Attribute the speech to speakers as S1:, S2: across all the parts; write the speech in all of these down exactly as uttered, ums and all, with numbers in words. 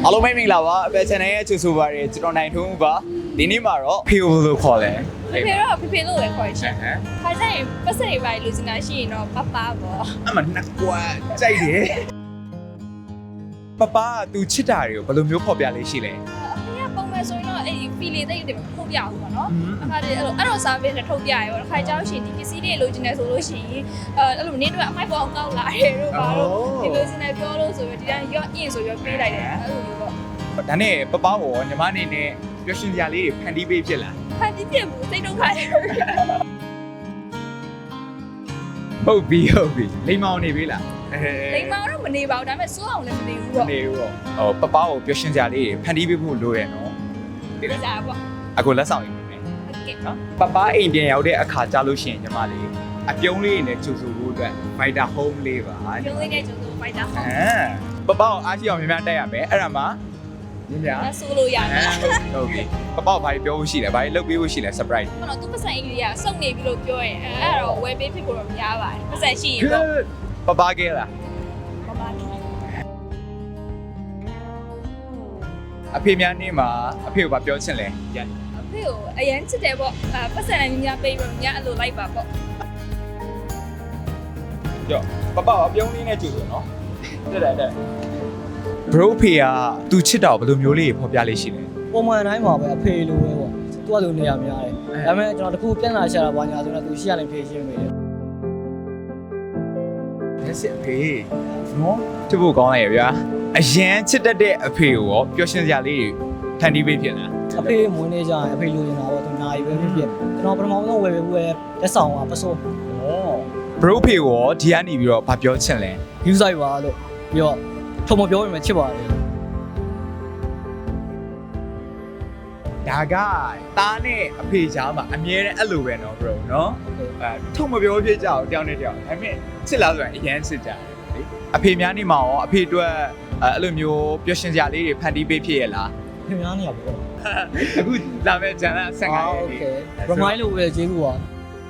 S1: အားလုံးပဲမင်္ဂလာပါအပယ် channel ရဲ့ချူဆိုပါရကျွန်တော်နိုင်ထုံးပါဒီနေ့မှာတော့ဖေကိုလို့ခေါ်တယ်
S2: ဖေဖေတော့ဖေဖေလို့ပဲခေါ်ရှင်
S1: ဟမ်
S2: ခါကျရင်ပတ်စရိပ်ပိုင်းလူစင်တာရှိရင်တော့ပပပေါ့
S1: အမနှစ်ကွာကြိုက်တယ်ပပသူချစ်တာတွေကိုဘယ်လိုမျိုးဖော်ပြလေးရှိလဲ
S2: အဖေကပုံမှန်ဆိုရင်တော့အဲ့ဒီ feel လေးတိတ်တယ်ထုတ်ပြအောင်ပေါ့နော်အခါတည်းအဲ့လိုအဲ့လို service နဲ့ထုတ်ပြရပေါ့ခါကြောက်ရှင်ဒီပစ္စည်းတွေလိုချင်တယ်ဆိုလို့ရှိရင်အဲအဲ့လိုနေတော့အမိုက်ပေါ်အောင်ကောက်လာတယ်တို့ပါတော့ဒီလိုစင်တယ်ပြောလို့ဆိုပြီးဒီတိုင်းရော့အင်ဆိုပြီးပေးလိုက်တယ်အဲ့လိုမျိုးပေါ့
S1: ဒါနဲ့ပပကိုညီမအနေနဲ့ပျော်ရွှင်စရာလေးတွေဖန်တီးပေးဖြစ်လား
S2: ဖန်တီးပြမှုစိတ်ဒုက္ခတွေ
S1: ဟုတ်ပြီဟုတ်ပြီလိမ္မောင်နေပြီလား
S2: လိမ္မာတော့မနေပါဘူးဒါပေမဲ့စိုးအောင်လည်းမနေဘူးပေါ့
S1: နေဘူးပေါ့ဟောပပကိုပျော်ရွှင်စရာလေးတွေဖန်တီးပေးဖို့လိုရနော်
S2: ဒီစားပေါ့
S1: အခုလက်ဆောင်ယူမယ်
S2: ဟုတ်ကဲ့
S1: နော်ပပအိမ်ပြန်ရောက်တဲ့အခါကြာလို့ရှိရင်ညီမလေးအပြုံးလေးနဲ့ချူဆိုဖို့အတွက် Fighter Home လေးပါ
S2: ကျုံးလေးနဲ့ကျုံးလို့ဖိုက်တာ
S1: ဟ
S2: ဟုတ်
S1: မ်ပပကိုအားရှိအောင်များများတက်ရမယ်အဲ့ဒါမှညညာ
S2: ဒါဆိုလို့ရတယ်
S1: ဟုတ်ပြီပပကိုဘာပြောဖို့ရှိလဲဘာလုပ်ပေးဖို့ရှိလဲ surprise
S2: ဘာလို့သူပတ်စံအင်္ဂလိပ်ကစုံနေပြီလို့ပြောရင်အဲ့ဒါတော့ဝယ်ပေးဖြစ်ဖို့တော့များပါတယ်ပတ်စံရှိရင်ပေါ့
S1: ပပကဲလား
S2: မမကြီး
S1: အဖေများနေမှာအဖေကိုဘာပြောချင်လဲရ
S2: အဖေကိုအရန်ချစ်တယ်ပေါ့အဲပတ်စံလည်းများပေးပြီးများအဲ့လိုလိုက်ပါပေါ့
S1: ကြောပပအပြုံးလေးနဲ့ကြည့်လို့နော်တက်တယ်တက် bro ဖေကသူချစ်တာကိုဘယ်လိုမျိုးလေးဖော်ပြလေးရှိလဲ
S3: ပုံမှန်တိုင်းမှာပဲအဖေလိုပဲပေါ့သူကလိုနေရများတယ်ဒါပေမဲ့ကျွန်တော်တခုပြန်လာရှာတာဘာညာဆိုတော့သူရှိရနေဖြေရှင်းပေးတယ်
S1: လက်စစ်ဖေနော်ချစ်ဖို့ကောင်းလိုက်ရဗျာအရန်ချစ်တတ်တဲ့အဖေကိုရောပျော်ရွှင်စရာလေးဖန်တီးပေးဖြစ်လား
S3: အဖေမွေးနေကြရင်အဖေလိုချင်တာပေါ့သူနာရီပဲဖြစ်ဖြစ်ကျွန်တော်ပထမဆုံးဝယ်ပေးဘူးပဲလက်ဆောင်ကပစိုး
S1: ဩ bro ဖေကိုရောဒီကနေပြီးတော့ဘာပြောချင်လဲ
S3: ယူဆိုင်ပါလို့ပြီးတော့ထုံမပြောရင်မချစ်ပါတယ်
S1: ဒါကတားနဲ့အဖေချားမှာအမြဲတမ်းအဲ့လိုပဲနော် bro နော်အဲထုံမပြောဖြစ်ကြအောင်တောင်းနေတောင်းဒါပေမဲ့ချစ်လားဆိုရင်အရန်ချစ်ကြတယ်လေအဖေများနေမှာရောအဖေအတွက်အဲ့လိုမျိုးပျော်ရွှင်စရာလေးတွေဖန်တီးပေးဖြစ်ရလား
S3: ခင်ဗျားနေရပေါ့
S1: အခုလာမဲ့ဂျန်လာဆန်က
S3: โอ
S1: ရ
S3: เค
S1: ည်
S3: remind လို့ပဲကျေးဇူးပါ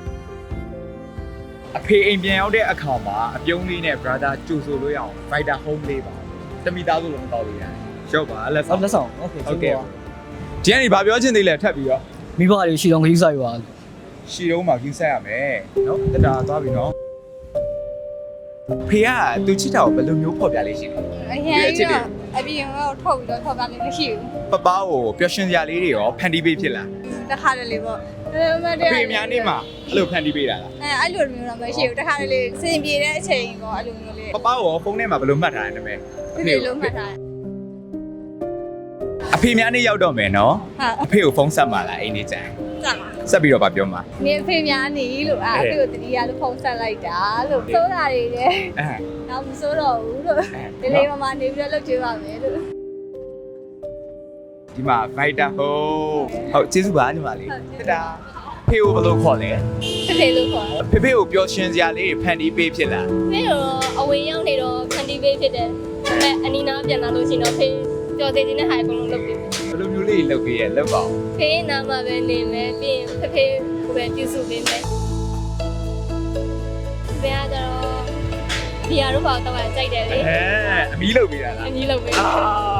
S1: အဖေအိမ်ပြန်ရောက်တဲ့အခါမှာအပြုံးလေးနဲ့ brother ကြိုဆိုလို့ရအောင် Fighter Home လေးပါတမိသားစုလုံးတောက်လို့ရတယ်ရုပ်ပါလက်
S3: ဆော
S1: ဆောင်
S3: က်လက်ဆောင်โอเค
S1: ဟုတ်
S3: ကျေး
S1: ကဲ့
S3: ဇူးပါ
S1: ဒီကနေဘာပြောချင်သေးလဲထပ်ပြီးတော့
S3: မိဘတွေရှိတော့ယူဆိုင်ပါ
S1: ရှီတုံးမှာကြီးဆက်ရမယ်နော်တတာသွားပြီနော်ဖေကသူချစ်တာကိုဘယ်လိုမျိုးဖော်ပြလေးရှိလဲ
S2: အရင်ကတော့အပြင်ကတော့ထုတ်ပြီးတော့ထုတ်တာလည်းမရှိဘူး
S1: ပပကိုပျော်ရွှင်စရာလေးတွေရောဖန်တီးပေးဖြစ်လား
S2: တခါတလေပေါ့ဒါပေမဲ့
S1: အဖေများနေမှာအဲ့လိုဖန်တီးပေးတာလား
S2: အဲအဲ့လိုမျိုးတော့မရှိဘူးတခါတလေစင်ပြေတဲ့အချိန်ပေါ့အဲ့လိုမျိုးလေး
S1: ပပကိုဖုန်းထဲမှာဘယ်လိုမှတ်ထားလဲနာမည်
S2: ဖေဖေလုံးမှတ်ထားတယ်
S1: အဖေများနေရောက်တော့မယ်နော်
S2: ဟာ
S1: အဖေကိုဖုန်းဆက်ပါလားအိမ်နေကြိုင်
S2: စမ်းပါ
S1: ဆက်ပြီးတော့ဗာပြောမှာ
S2: နေဖေများနေလို့အာအဖေကိုတတိယလို့ဖုန်းဆက်လိုက်တာလို့ဆိုတာတွေလည်း
S1: အဲ
S2: တော့မစိုးတော့ဘူးလို့ဒီလေးမမနေပြီးတော့လုပ်ကြည့်ပါမယ်လို့
S1: ဒီမှာ Fighter Home ဟုတ်ကျေးဇူးပါညီမလေးတတာဖေကိုဘယ်လိုခေါ်လဲ
S2: ဖေဖေလို့ခေါ်တယ်
S1: ဖေဖေကိုပျော်ရွှင်စရာလေးတွေဖန်တီးပေးဖြစ်လား
S2: ဖေတော့အဝေးရောက်နေတော့ဖန်တီးပေးဖြစ်တယ်ဒါပေမဲ့အနီနာပြန်လာလို့ရှိရင်တော့ဖေကြော်သေးသေးနဲ့ဟာအကုန်လုံးလုပ်ပေး
S1: ဘယ်လိုမျိုးလေးလုပ်ပေးရလုပ်ပါဦး
S2: ဖေနာမှာပဲနေမယ်ပြီးရင်ဖေဖေကိုပဲပြုစုပေးမယ်ဖေကတော့ဒီဟာတော့ပေါ့တော့ကြိုက်တယ်လေ
S1: အဲအမီးလုပ်ပေးတာလား
S2: အကြီးလုပ်ပေး
S1: အာ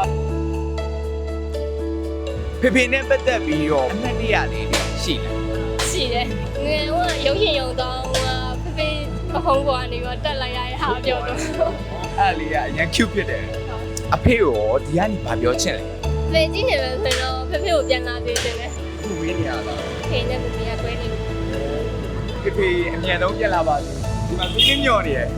S1: ဖေဖေနဲ့ပတ်သက်ပြီးတော့အမှတ်တရလေးတွေရှိလား
S2: ရှိတယ်ငယ်ကရုပ်ရှင်ရုံတော့ဖေဖေပခုံးပေါ်ကနေပြီးတက်လိုက်ရတဲ့ဟာပြောတော့
S1: အဲ့လေးကအရင် cute ဖြစ်တယ်အဖေကိုဒီကနေဘာပြောချင်လဲ
S2: ဖေကြည့်နေမယ်ဆိုတော့ဖေဖေကိုပြန်လာသေးတယ်လေ
S1: ခုဝေးနေရလား
S2: ဖေနဲ့ဖေဖေကကွဲနေပြီ
S1: ဖေဖေအမြန်ဆုံးပြန်လာပါစေဒီမှာသူင်းညော်နေရဲ့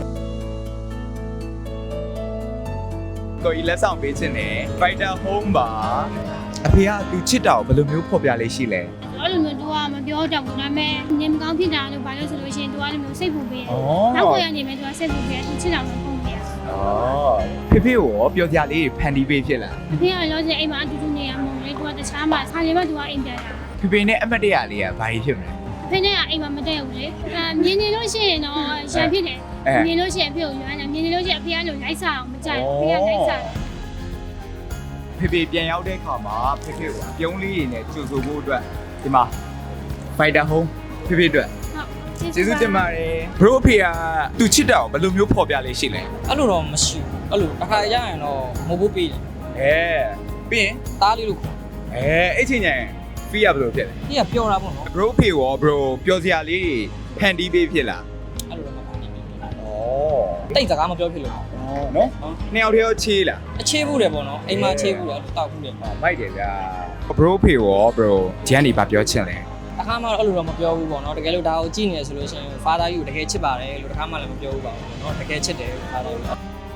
S1: ကိုကြီးလက်ဆောင်ပေးခြင်းနဲ့ Fighter Home ပါအဖေကသူချစ်တာကိုဘယ်လိုမျိုးဖော်ပြလေးရှိလဲ
S4: အဲ့လိုမျိုး तू ကမပြောတတ်ဘူးဒါပေမဲ့နေမကောင်းဖြစ်တာလို့ဘာလို့ဆိုလို့ရှိရင် तू အဲ့လိုမျိုးစိတ်ပူပေးတယ်
S1: ဩ
S4: နောက်ကိုရနေမယ် तू ကစိတ်ပူပေးတယ် तू ချစ်တာမဟုတ်ဘူးလေ
S1: ဩဖေဖေကိုရောပြောကြလေးဖန်တီးပေးဖြစ်လား
S4: အဖေကလောချင်အိမ်မှာအတူတူနေရမှာလေ तू ကတခြားမှာခါလေးမှ तू ကအိမ်ပြန်တာ
S1: ဖေဖေနဲ့အမတ်တရလေးကဘာကြီးဖြစ်မလဲ
S4: အဖေနဲ့ကအိမ်မှာမတည့်ဘူးလေအဲမြင်နေလို့ရှိရင်တော့ရံဖြစ်တယ်မြင်လို့ရှိရင်အဖေကိုရွမ်းတယ်မြင်နေလို့ရှိရင်အဖေကလို့လိုက်စားအောင်မကြိုက်ဘူးအဖေကလိုက်စားတယ်
S1: ဖေဖေပြန်ရောက်တဲ့အခါမှာဖေဖေကိုအပြုံးလေးတွေနဲ့ကြိုဆိုဖို့အတွက်ဒီမှာ Fighter Home ဖေဖေအတွက်
S4: ဟုတ်
S1: ကျေးဇူးတင်ပါတယ် bro ဖေကသူချစ်တာကိုဘယ်လိုမျိုးဖော်ပြလေးရှိလဲ
S3: အဲ့လိုတော့မရှိဘူးအဲ့လိုအခါရရင်တော့မဟုတ်ဘူးပေးတယ်
S1: အဲအဲပြီးရင်
S3: တားလေးလို့ခေါ်
S1: အဲအဲ့ချိန်ကျရင်ဖီးရဘယ်လိုဖြစ်လဲ
S3: ဒီကပျော်တာပေါ့နော်
S1: bro ဖေရော bro ပျော်စရာလေးတွေဖန်တီးပေးဖြစ်လား
S3: အဲ့လိုတော့မပါဘူး
S1: ဩ
S3: တိတ်စကားမပြောဖြစ်လို့
S1: နော်နှစ်ယောက်တည်းရောချေးလား
S3: အခြေဘူးတယ်ပေါ့နော်အိမ်မှာအခြေဘူးတယ်အဲ့လိုတောက်ဘူးတယ်
S1: မိုက်တယ်ဗျာ bro ဖေရော bro ဒီကနေဗာပြောချင်လဲ
S3: တခါမှတော့အဲ့လိုတော့မပြောဘူးပေါ့နော်တကယ်လို့ဒါကိုကြည့်နေရဆိုလို့ရှိရင် father ကြီးကိုတကယ်ချစ်ပါတယ်လို့တခါမှလည်းမပြောဘူးပါဘူးပေါ့နော်တကယ်ချစ်တယ် father ကြီး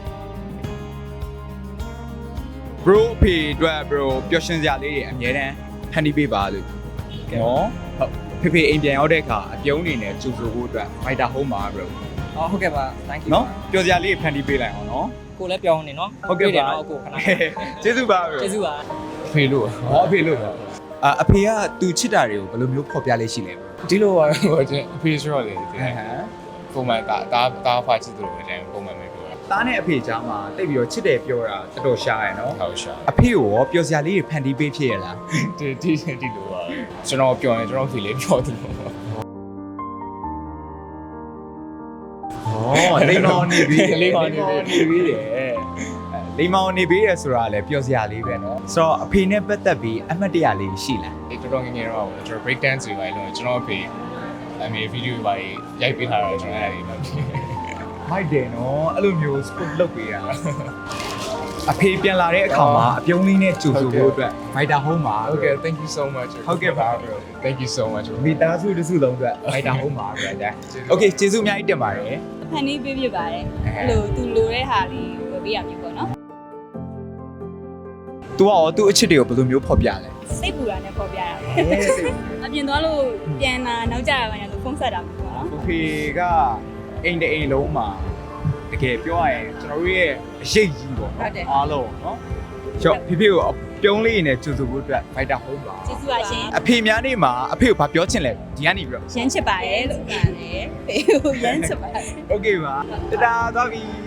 S1: bro ဖေအတွက် bro ပျော်ရွှင်စရာလေးတွေအများတန်းဖန်တီးပေးပါလို့နော်ဟုတ်ဖေဖေအိမ်ပြန်ရောက်တဲ့အခါအပြုံးနေနဲ့ကြိုဆိုဖို့အတွက် fighter home ပါ bro
S3: အော်ဟုတ်ကဲ့ပါ thank you
S1: နော်ပျော်စရာလေးဖန်တီးပေးလိုက်အောင်နော်
S3: ကိုလည်းပြောင်းနေနော်
S1: ဟုတ်ကဲ့ပါ
S3: နော်ကိုခဏ
S1: ကျေးဇူးပါ bro
S3: ကျေးဇူးပါ
S1: ဖေလို့ဟောအဖေလို့ပါအအဖေကသူချစ်တာတွေကိုဘယ်လိုမျိုးဖော်ပြလေးရှိလဲ
S5: ဒီလိုပါဟိုကျွန်အဖေဆိုတော့လေ
S1: ဟမ်
S5: ပုံမှန်တာတာတာဖာချစ်တယ်လို့လည်းပုံမှန်ပဲပြောတာ
S1: သားနဲ့အဖေကြားမှာတိတ်ပြီးတော့ချစ်တယ်ပြောတာတော်တော်ရှားရယ်နော်
S5: ဟုတ်ရှာ
S1: အဖေကိုရောပျော်စရာလေးတွေဖန်တီးပေးဖြစ်ရလား
S5: ဒီဒီဒီလိုပါကျွန်တော်ပြောရင်ကျွန်တော်ဖေလေးပြောတယ်လို့
S1: ဩလိမ္မောင်နေပြီ
S5: လိမ္မောင်နေပြီ
S1: နေပြီတယ်လိမ္မောင်နေပြီရဆိုတာလည်းပျော်စရာလေးပဲနော်ဆိုတော့အဖေနဲ့ပတ်သက်ပြီးအမှတ်တရလေးရှိလား
S5: ဒီတော်တော်ငယ်ငယ်တော့ကျွန်တော် break dance တွေပါလို့ကျွန်တော်ဖေအမေဗီဒီယိုပါရိုက်ပေးထားတော့ကျွန်တော်အဲ့ဒီမှာ
S1: မိုက်တယ်နော်အဲ့လိုမျိုး sport လုပ်ပေးတာအဖေပြန်လာတဲ့အခါမှာအပြုံးလေးနဲ့ကြိုဆိုဖို့အတွက် fighter home ပါ
S5: Okay thank you so much
S1: ဟုတ်ကဲ့ပါ bro
S5: thank you so much
S1: မိသားစုတစုလုံးအတွက် fighter home ပါ bro ဒါ Okay ကျေးဇူးအများကြီးတင်ပါတယ်
S2: ဖန်တီးပေးပြပါတယ်အဲ့လိုသူလိုတဲ့ဟာလေးဝယ်ပေးရမျိုးပေါ့နော်
S1: तू ကရောသူ့အချစ်တွေကိုဘယ်လိုမျိုးဖော်ပြလဲ
S2: စိတ်ပူတာနဲ့ပေါ်ပြတာ
S1: အဲစိတ်
S2: အပြင်သွားလို့ပြန်လာနောက်ကြရပါညာလို့ဖုန်းဆက်တာမျိုးပေါ့နော်
S1: ကိုဖေကအိမ်တအိမ်လုံးမှာတကယ်ပြောရရင်ကျွန်တော်တို့ရဲ့အရေးကြီးပေါ့နော်အားလုံးနော်ကျော်ဖေဖေကိုပြုံးလေးနဲ့ကြိုဆိုဖို့အတွက် fighter home ပါ
S2: ကျေးဇူးပါရှင်
S1: အဖေများနေမှာအဖေကိုဘာပြောချင်လဲဒီကနေပြီးတော့
S2: ရမ်းချစ်ပါတယ်လို့ပါတယ်ဖေကိုရမ်းချစ်ပါတယ်
S1: Okay ပါတဒါသွားပြီ